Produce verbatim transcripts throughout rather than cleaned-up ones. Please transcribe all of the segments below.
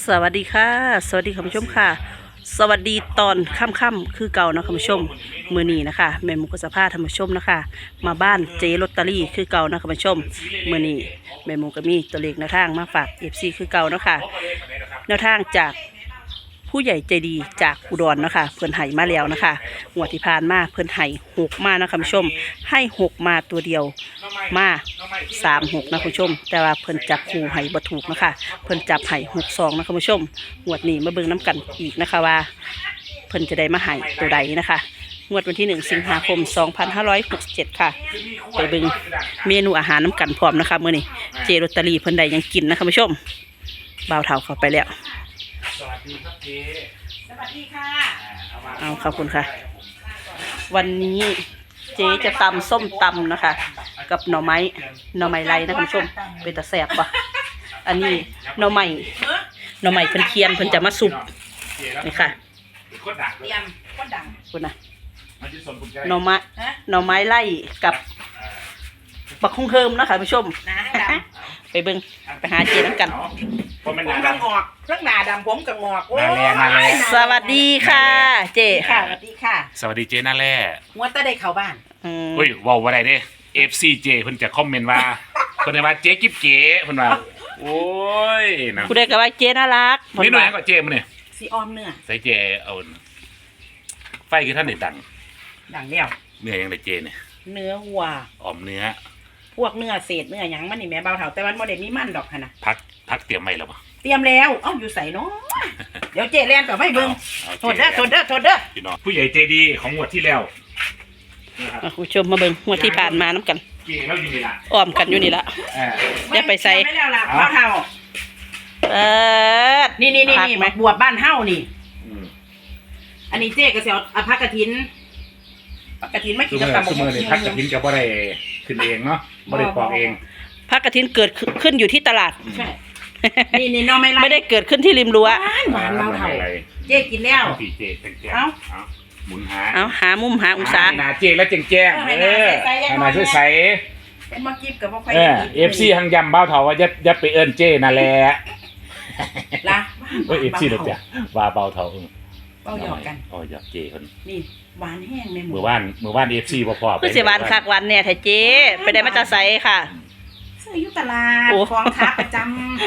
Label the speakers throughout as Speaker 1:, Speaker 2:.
Speaker 1: สวัสดีค่ะสวัสดีคุณผู้ชมค่ะสวัสดีตอนค่ำๆคือเก่านะคุณผู้ชมมือนี้นะคะแม่หมูกสภาท่านผู้ชมนะคะมาบ้านเจลอตเตอรี่คือเก่านะคุณผู้ชมมือนี้แม่หมูก็มีตัวเลขแนวทางมาฝากเอฟซีคือเก่าเนาะค่ะแนวทางจากผู้ใหญ่ใจดีจากอุดรนะคะเพิ่นไห่มาแล้วนะคะงวดที่ผ่านมาเพิ่นไห่หกมานะคุณผู้ชมให้หกมาตัวเดียวมาสามหกนะคุณผู้ชมแต่ว่าเพิ่นจับคู่ไห่บ่ถูกนะคะเพิ่นจับไห่หกสองนะคุณผู้ชมงวดนี้มาเบิ่งน้ำกันอีกนะคะว่าเพิ่นจะได้มาไห่ตัวใดนะคะงวดวันที่หนึ่งสิงหาคมสองพันห้าร้อยหกสิบเจ็ดค่ะไปเบิ่งเมนูอาหารน้ำกันพร้อมนะคะมื้อนี้เจลอตเตอรี่เพิ่นได้ยังกินนะคุณผู้ชมบ่าวเฒ่าเข้าไปแล้ว
Speaker 2: สวัสดีครับเจ๊
Speaker 1: สวัสดีค่ะเอาขอบคุณค่ะวันนี้เจ๊จะตำส้มตำนะคะกับหน่อไม้หน่อไม้ไรนะคุณผู้ชมเป็นตะแสบปะอันนี้หน่อไม้หน่อไม้เพิ่นเคียนเพิ่นจะมาสุกนี่ค่ะ
Speaker 2: เตรียมก็ดัง
Speaker 1: คุณนะหน่อไม้หน่อไม้ไล่กับบักคงเฮิมนะคะคุณผู้ชมไปเบิ้งไปหาเจ๊น้ำกัน
Speaker 2: ผมกระงอกเรื่องหนาดำผมกระงอก
Speaker 1: นาแร่นาแร่สวัสดีค่ะเจ๊
Speaker 2: ค่ะสวัสดีค่ะ
Speaker 3: สวัสดีเจ๊นาแร่
Speaker 2: งัวตาได้เข้าบ้าน
Speaker 3: เฮ้ยว้าวอะไรเด้ เอฟ ซี เจเพิ่นจะคอมเมนต์ว่าเพิ่นว่าเจ๊กิ๊บเก๋เพิ่นว่าโอ้ยนะ
Speaker 1: ผู้ใดก็ว่าเจ๊น่ารัก
Speaker 3: นี่หน่อยก็เจ๊มันนี่
Speaker 2: สีออมเนื้อ
Speaker 3: ใส่เจเอาไฟคือท่านได้ดัง
Speaker 2: ดังแล้ว
Speaker 3: เนื้อยังได้เจเนี่ย
Speaker 2: เนื้อวัว
Speaker 3: ออมเนื้อ
Speaker 2: พวกเนื้อเศษเนื้อหยังมันนี่แม่เบาเถาแต่มันบ่ได้มีมันดอกค่ะนะ
Speaker 3: พักพักเตรียมไว้แล้วป่ะ
Speaker 2: เตรียมแล้วเอ้าอยู่ใส่เนาะเดี๋ยวเจ๊แล่นต่อไปเบิ่งโทษเด้อโทษเด้อโทษเด้อ
Speaker 3: พี่น้องผู้ใหญ่ใจดีของงวดที่แล้ว
Speaker 1: คุณผู้ชมมาเบิ่งงวดที่ผ่านมาน้ำกันอ้อมกันอยู่นี่ละอย่าไปใส่
Speaker 2: ไม่แล้วล่ะเบาเถา
Speaker 1: เออ
Speaker 2: นี่นี่นี่นี่บวบบ้านเฮานี่อันนี้เจ๊ก็สิเอาอภักกฐินผักกฐินไม่กินกับตำบักหุ่ง
Speaker 3: นี่ผักกฐินก็บ่ได้ขึ้นเองเนาะบ่ได้ปอกเอง
Speaker 1: ผักกฐินเกิดขึ้นอยู่ที่ตลาด
Speaker 2: ใช่นี่นี่น้องไม่ไล่
Speaker 1: ไม่ได้เกิดขึ้นที่ริมรั้ว
Speaker 2: หวานเบาเถาเจ๊กินแล้ว
Speaker 3: เอ้าหมุนหา
Speaker 1: เอาหามุมหาองศา
Speaker 3: หนาเจ๊แล้วแจ้งแจ้งเออหนาช่วยใส่
Speaker 2: มากินกับบ่ค่อย
Speaker 3: เอฟซีหังยำเบาเถาว่ายัดยัดไปเอิ้นเจ๊นั่นแหละ
Speaker 2: ล่ะ
Speaker 3: เอ้ยเอฟซีเด้อจ้ะว่าเบาเถาเออ
Speaker 2: เบาหยอกกัน
Speaker 3: อ๋อหยอกเจ๊เพิ่น
Speaker 2: นี่หวานแห้งในหมู่
Speaker 3: มื้อวานมื้อวาน เอฟ ซี บ่พอ
Speaker 1: คือสิหวานคักหวานเนี่ยแท้เจ๊ไปได้มาจากไสค่ะ
Speaker 2: ซื้ออยู่ตลาดของค้าประจ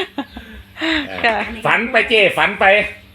Speaker 3: ำฝันไปเจ๊ฝันไป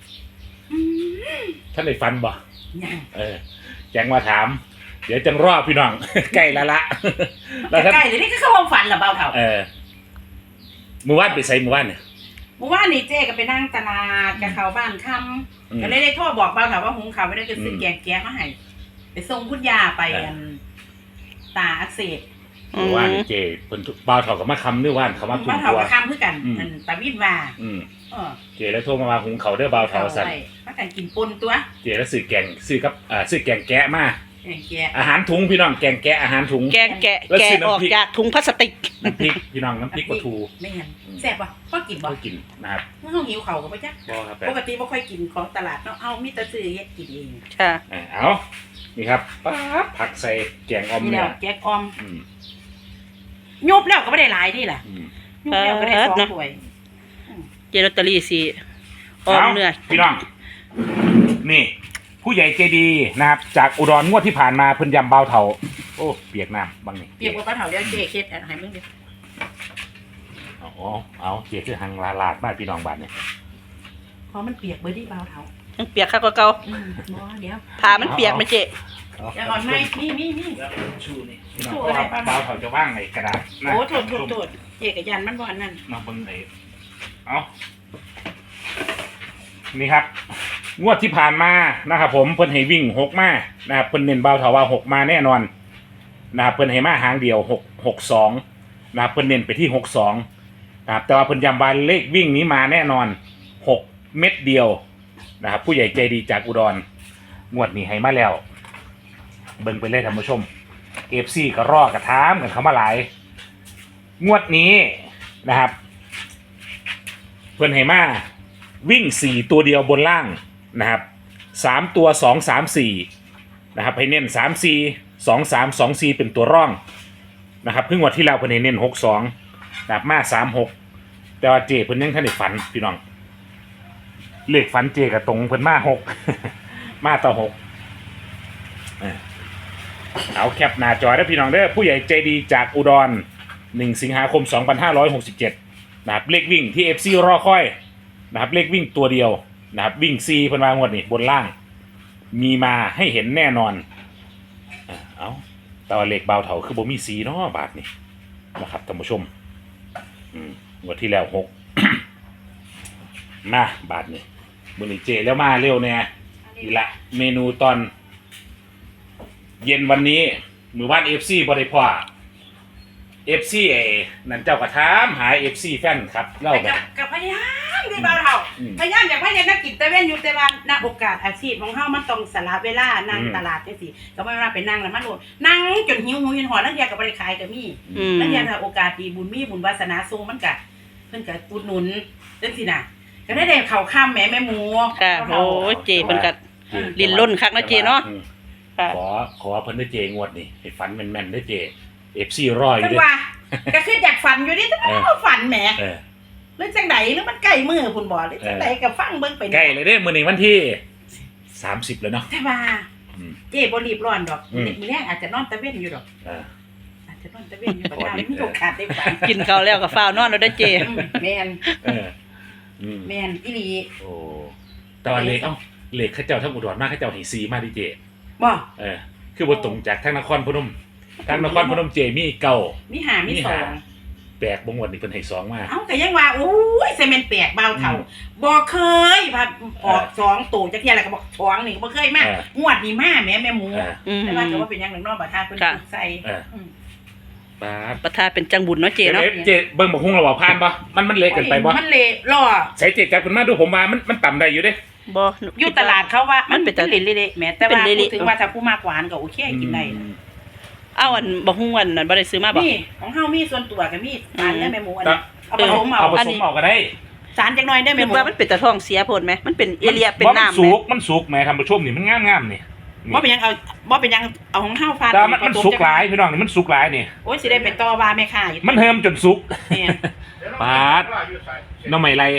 Speaker 3: ท่านได้ฝันบ่เออแจ้งมาถามเดี๋ยวจังรอพี่น้องใกล้ละละ
Speaker 2: แล้วใกล้เลยนี่ก็เข้าห้องฝันเหรอเบาเถา
Speaker 3: เออมื้อวานไปไสมื้อวานเนี่ย
Speaker 2: มื้อวานนี่เจ๊ก็ไปนั่งตลาดกับเขาบ้านค่ำก็เลยได้โทรบอกเบาเถาว่าหุงข้าวไม่ได้จะซื้อแกงแกงมาให้ไปส่งคุณยาไปตาอักเสบ
Speaker 3: มื้อวานนี่เจ๊เพิ่นเบาเถาก็มาคำมื้อวานเขามา
Speaker 2: คุมตัวเบาเถาก็คำคือกันตาวินว่า
Speaker 3: อืมเออเจ๊แล้วโทรมาว่าหุงข้าวเด้อเบาเถาสั่น
Speaker 2: มากันกินปนตัว
Speaker 3: เจ๊แล้วซื้อแกงซื้อกับอ่าซื้อแกงแกะมา
Speaker 2: แกงแกะ
Speaker 3: อาหารถุงพี่น้องแกงแกะอาหารถุง
Speaker 1: แกงแกะแกะออกจากถุงพลาสติก
Speaker 3: น้ำพริกพี่น้องน้ำพริกปลาทู
Speaker 2: ไม่เห็นแซ่บป่ะพ่อกินบ่
Speaker 3: พ่อกินนะครับ
Speaker 2: เมื่อเขาหิวเข่าก็ไปจ้ะปกติไม่ค่อยกินของตลาดเนาะเอามีแต่ซื้อเฮ็ดกินเอง
Speaker 1: ค่ะ
Speaker 3: เอานี่ครับป๊าบผักใส่แกงออมเนี่ย
Speaker 2: แกงออมยุบแล้วก็ไม่ได้หลายนี่แหละยุบแล้วก็ได้สองถ้วย
Speaker 1: เจลอตเตอรี่สิออมเนื้อ
Speaker 3: พี่น้องนี่ผู้ใหญ่ใจดีนะครับจากอุดรงวดที่ผ่านมาเพิ่นยำเบาเถาโอ้เปียกน้ำบางนี่
Speaker 2: เปียกว่าเบาเถาเดี๋ยวเจ๊เค็ดให้มึงดิ
Speaker 3: อ๋อเอาเจ๊คือหังลาลาดมากพี่น้องบ้านเนี่ย
Speaker 2: เพราะมันเปียกเบอร์ดี้เบาเถา
Speaker 1: มันเปียกข้าวก็เก่า
Speaker 2: เดี๋ยว
Speaker 1: ผ่ามันเปียกไหมเจ๊
Speaker 2: อย่าอ่อนไหมนี่นี่นี่
Speaker 3: ชูนี่ชูอะไรเบาเถาจะว่างไงกระดาษ
Speaker 2: โอ้โถดโถดโถดเจ๊กับยันมันบ่อนนั่น
Speaker 3: มาเบิ่งไหนเอานี่ครับงวดที่ผ่านมานะครับผมเพิ่นให้วิ่งหกมานะครับเพิ่นเน้นเบาเถาว่าหกมาแน่นอนนะครับเพิ่นให้มาหางเดียวหกหกสองนะครับเพิ่นเน้นไปที่หกสองนะครับแต่ว่าเพิ่นย้ำว่าเลขวิ่งนี้มาแน่นอนหกเม็ดเดียวนะครับผู้ใหญ่ใจดีจากอุดรงวดนี้ให้มาแล้วเบิ่งไปเลยท่านผู้ชม เอฟ ซี ก็รอกระทามกันเขามาหลายงวดนี้นะครับเพิ่นให้มาวิ่งสี่ตัวเดียวบนล่างนะครับสามตัวสองสามสี่นะครับให้เน้นสามสี่สองสามสองสี่เป็นตัวร่องนะครับเพิ่งวันที่แล้วเพิ่นให้เน้นหกสองนะครับมาสามหกแต่ว่าเจเพิ่นยังท่านได้ฝันพี่น้องเลขฝันเจกับตรงเพิ่นมาหก มาต่อหกเออเอาแคปหน้าจอได้อพี่น้องเด้อผู้ใหญ่ใจดีจากอุดรหนึ่งสิงหาคมสองพันห้าร้อยหกสิบเจ็ดนะครับเลขวิ่งที่ เอฟ ซี รอคอยนะครับเลขวิ่งตัวเดียวนะครับวิ่งซีเพิ่นวางงวดนี่บนล่างมีมาให้เห็นแน่นอนเออเอาแต่ว่าเลขเบาเถาคือบ่มีสีเนาะบาทนี่นะครับท่านผู้ชมอืมงวดที่แล้วหก มาบาทนี่มื้อนี้เจแล้วมาเร็วแน่นี่ละเมนูตอน เย็นวันนี้มือบ้าน เอฟ ซี บ่ได้พ่อ เอฟ ซี เอนั่นเจ้ากระถามหา เอฟ ซี แฟนครับเล่า
Speaker 2: ไป
Speaker 3: แบ
Speaker 2: กับบ กับพยายามที่เบาเท่า
Speaker 3: อืม
Speaker 2: พยายามอยากให้เห็นนักกินแต่เว้นอยู่แต่ว่าณโอกาสอาชีพของเฮามันต้องสละเวลานั่ง
Speaker 3: อืม
Speaker 2: ตลาดจังซี่ก็บ่ว่าไปนั่งแล้วมันโดนนั่งจนหิวหูหิวหอนแล้วเทียก็บ่ได้ขายก็มี
Speaker 1: อืม
Speaker 2: แล้วเทียถ้าโอกาสดีบุญมีบุญวาสนาทรงมันก็เพิ่นก็อุดหนุนจังซี่น่ะก็ได้ได้เข้าข้ามแม่แม่หมู
Speaker 1: ค่ะโอ้ยเจเพิ่นก็ลิ้นล้นคักเนาะเจเนาะ
Speaker 3: อืม
Speaker 1: ค่ะ
Speaker 3: ขอขอเพิ่นได้เจงวดนี่ให้ฝันแม่นๆได้เจ เอฟ ซี รออยู่
Speaker 2: จัง
Speaker 3: เด้อ
Speaker 2: ว่าก็คืออยากฝันอยู่นี่แต่
Speaker 3: เออ
Speaker 2: ว่าฝันแหม
Speaker 3: เออ
Speaker 2: หรือจังไดหรือมันใกล้มือพุ่นบ่หรือจังไดก็ฟังเบิ่งไป
Speaker 3: ใกล้เลยเด้อมื้อนี้วันที่สามสิบแล้วเนาะ
Speaker 2: แต่ว่า
Speaker 3: อืม
Speaker 2: เจ๊บ่รีบร้อนดอก
Speaker 3: อืม
Speaker 2: มื้อแรกอาจจะนอนตะเวนอยู่ดอก
Speaker 3: เออ
Speaker 2: อาจจะนอนตะเวนอยู่บ่ได้มีโอกาสได้ฝัน
Speaker 1: กินข้าวแล้วก็ฟ้าวนอนแล้วเด้อเจ
Speaker 2: อืมแม่น
Speaker 3: เอออืม
Speaker 2: แม่นอีหลี
Speaker 3: โอ้แต่ว่าเลขเอ้าเลขเขาเจ้าทั้งอุดรมาเขาเจ้าให้ซีมาดิเจ
Speaker 2: บ่
Speaker 3: เออคือบ่ตรงจากทางนครพนมทางนครพนมเจมีเก่า
Speaker 2: มีหามี
Speaker 3: มี
Speaker 2: สอ
Speaker 3: หาง แปลกบ่งวดนี่เพิ่นให้สองมา
Speaker 2: เอ้าก็ยังว่าโอ้ยใส่แม่นแปลกเบาเท่า
Speaker 3: อืม
Speaker 2: บ่เคยว่าออกสองตัวจักเที่ยแล้วก็บอกสองนี่บ่เคยมา
Speaker 3: เออ
Speaker 2: งวดนี้มาแม่แม่หมู
Speaker 3: เออ
Speaker 1: อืม
Speaker 2: แต่ว่าก็ว่าเป็นหยังหนึ่งเนาะบ่ทาเพิ่น
Speaker 1: ค่ะ
Speaker 2: ใส่
Speaker 3: เออ
Speaker 2: อืม
Speaker 3: บาด
Speaker 1: ประทาเป็นจังบุญเนาะเจเนาะ
Speaker 3: เอ๊ะเจเบิ่งบ่ฮุ้งระบ่ผ่านบ่มันมันเละเกินไปบ่
Speaker 2: มันเละล่อ
Speaker 3: ใส่เจจับขึ้นมาดูผมว่ามันมันต่ำได้อยู่เด้
Speaker 1: บ่
Speaker 2: อยู่ตลาดเขาว่ามั
Speaker 1: มัน นเป็น
Speaker 2: เป็นเละๆแหม่แต่ว่า
Speaker 1: เป็นเละๆ
Speaker 2: พูดถึงว่าถ้าผู้มากหวานก็โอเคกินได้นะ
Speaker 1: เอาอันบ่ฮู้อันนั้นบ่ได้ซื้อมาบ่
Speaker 2: นี่ของเฮามีส่วนตัวกับมีสารและแม่หมูอันนี้เอาผ
Speaker 3: เอา
Speaker 2: สมเอา
Speaker 3: เอาผ
Speaker 1: อัน
Speaker 3: ส
Speaker 1: นี้
Speaker 3: มเอาก็ได้
Speaker 2: สารจักหน่อยได้แม่
Speaker 1: คือ
Speaker 2: หมู
Speaker 1: ว่ามันเป็นตะท้องเสียโพดไหมมันเป็นเอเลียเป็น
Speaker 3: บ่มั
Speaker 1: น้ำ
Speaker 3: สุ
Speaker 1: ไหม
Speaker 3: กมันสุกแหม่ท่านผู้ชมนี่มันงามๆนี่
Speaker 2: บ่เป็นหยังเอาบ่เป็นหยังเอาของเฮาฟาด
Speaker 3: แต่มันมันสุกหลายพี่น้องนี่มันสุกหลายนี่
Speaker 2: โอ้ยสิได้ไปต่อว่าแม่ค้าอยู่
Speaker 3: มันเฮิมจนสุก
Speaker 2: เนี่ย
Speaker 3: ปาดหน่อไม้ไร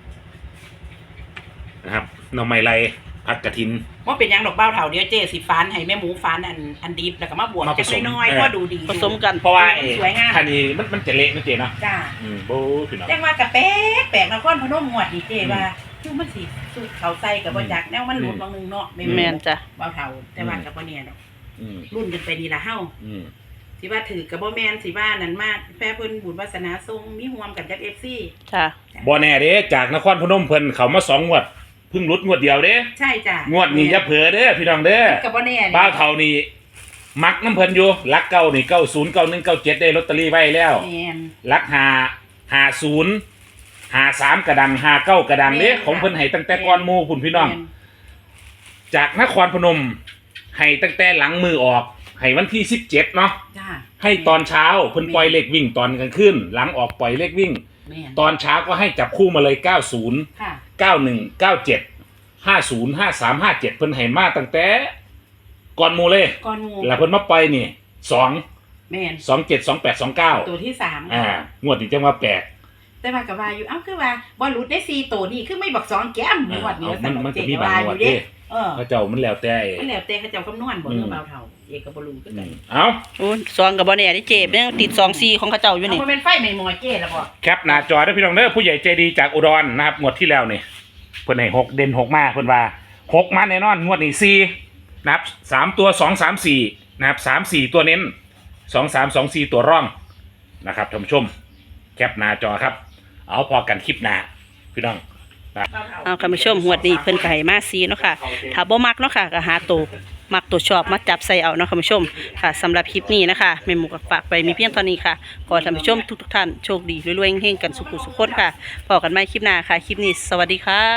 Speaker 3: นะครับหน่อไม้ไรผัดกระถิน
Speaker 2: บ่เป็นหยังดอกเบ้าเฒ่าเดี๋ยวเจ๊สิฟานให้แม่หมูฟานอันอันดิบแล้วก็มาบวก
Speaker 3: มาผ
Speaker 2: จัก
Speaker 3: สม
Speaker 2: น้อย
Speaker 3: เออ
Speaker 2: ๆพอดูดี
Speaker 1: ผสมกัน
Speaker 3: เพราะว่าไอ้
Speaker 2: สวยงาม
Speaker 3: คันนี้มันมันจะเละนะเจเนาะ
Speaker 2: จ้า
Speaker 3: อืมโบ้พี่น้อง
Speaker 2: จังว่ากะแป๊กแปลกนครพนมงวดนี่เจ๊ว่าคือมันสิสูตรเขาใส่ก็บ่จักแนวมันหลุดบางนึงเนาะ
Speaker 1: แม่นจ้ะ
Speaker 2: เบ้าเฒ่าแต่ว่าก็บ่แน่ดอก
Speaker 3: อืม
Speaker 2: รุ่นกันไปนี่ล่ะเฮา
Speaker 3: อืม
Speaker 2: สิว่าถือกับบ่แม่นสิว่านั่นมาแฟเพิ่นบุญวาสนาทรงมีห่วมกันกับ เอฟ ซี
Speaker 1: จ้ะ
Speaker 3: บ่แน่เด้จากนครพนมเพิ่นเขามาสองงวดเพิ่งหลุดงวดเดียวเด้
Speaker 2: ใช่จ้ะ
Speaker 3: งวดนี้อย่าเผลอเด้อพี่น้องเด้อ
Speaker 2: กับบ่แน่
Speaker 3: บ้าวเท่านี้มักน้ำเพิ่นอยู่ลักเก้านี่เก้าศูนย์เก้าหนึ่งเก้าเจ็ดได้ลอตเตอรี่ไว้แล้ว
Speaker 2: แม่น
Speaker 3: ลักหาหาศูนย์หาสามกระดังหาเก้ากระดังเด้
Speaker 2: แม่น
Speaker 3: ของเพิ่นให้ตั้งแต่ก่อนหมู่พุ่นพี่น้อง
Speaker 2: แม่
Speaker 3: จากนครพนมให้ตั้งแต่หลังมือออกให้วันที่สิบเจ็ดเนาะ
Speaker 2: จ้า
Speaker 3: ให้ตอนเช้าเพิ่นปล่อยเลขวิ่งตอนกลางคืนหลังออกปล่อยเลขวิ่ง
Speaker 2: แม่น
Speaker 3: ตอนเช้าก็ให้จับคู่มาเลยเก้าศูนย์
Speaker 2: ค่ะ
Speaker 3: เก้าหนึ่งเก้าเจ็ดห้าศูนย์ห้าสามห้าเจ็ดเพิ่นให้มาตั้งแต่ก่อนหมู่เลย
Speaker 2: ก่อนหมู่
Speaker 3: แล้วเพิ่นมาปล่อยนี่สอง
Speaker 2: แม่น
Speaker 3: สองเจ็ดสองแปดสองเก้า
Speaker 2: ตัวที่สาม
Speaker 3: อ่างวดนี้จังว่าแปลก
Speaker 2: แต่ว่าก็ว่าอยู่เอ้าคือว่าบ่หลุดได้สี่ตัวนี่คือไม่บอกสองแก้มงวดนี้
Speaker 3: เอามันมัน
Speaker 2: เจ๊
Speaker 3: ก็มี
Speaker 2: ก็
Speaker 3: บาง
Speaker 2: ว่าง อ
Speaker 3: วด
Speaker 2: ยู่เด้
Speaker 3: เด้
Speaker 2: เออ
Speaker 3: พระเจ้ามันแล้วแต่
Speaker 2: มันแล้วแต่เขาเจ้าคำนวณบ่
Speaker 3: อืม
Speaker 2: เรื่องเบาเท่าเอกก็บ่รู้คือ
Speaker 3: อื
Speaker 2: กัน
Speaker 3: มเอา
Speaker 1: โอ้ยซองก็บ่แน่เด้เจยังติดสองสี่ของเขาเจ้าอยู่
Speaker 2: เอา
Speaker 1: นี่
Speaker 2: บ่แม่นไฟใหม่หมอเจ้แล้วบ่
Speaker 3: แคปหน้าจอได้อพี่น้องเด้อผู้ใหญ่ใจดีจากอุดรนะครับงวดที่แล้วนี่เพิ่นให้หกเด่นหกมาเพิ่นว่าหกมาแน่นอนงวดนี้สี่นะครับสามตัวสองสามสี่นะครับสามสี่ตัวเน้นสองสามสองสี่ตัวร่องนะครับท่านผู้ชมแคปหน้าจอครับ เอาพอกันคลิปหน้าพี่น้อง
Speaker 2: เบาเท่า
Speaker 1: เอาคุณผู้ชมหวดนี้เพิ่นก็ให้มาซีเนาะค่ะถ้าบ่มักเนาะค่ะก็หาตัวมักตัวชอบมาจับใส่เอาเนาะคุณผู้ชมค่ะสำหรับคลิปนี้นะคะแม่หมูก็ฝากไปมีเพียงเท่านี้ค่ะขอให้ท่านผู้ชมทุกๆท่านโชคดีรวยๆเฮงๆกันสุขสุขคนค่ะพบกันใหม่คลิปหน้าค่ะคลิปนี้สวัสดีค่ะ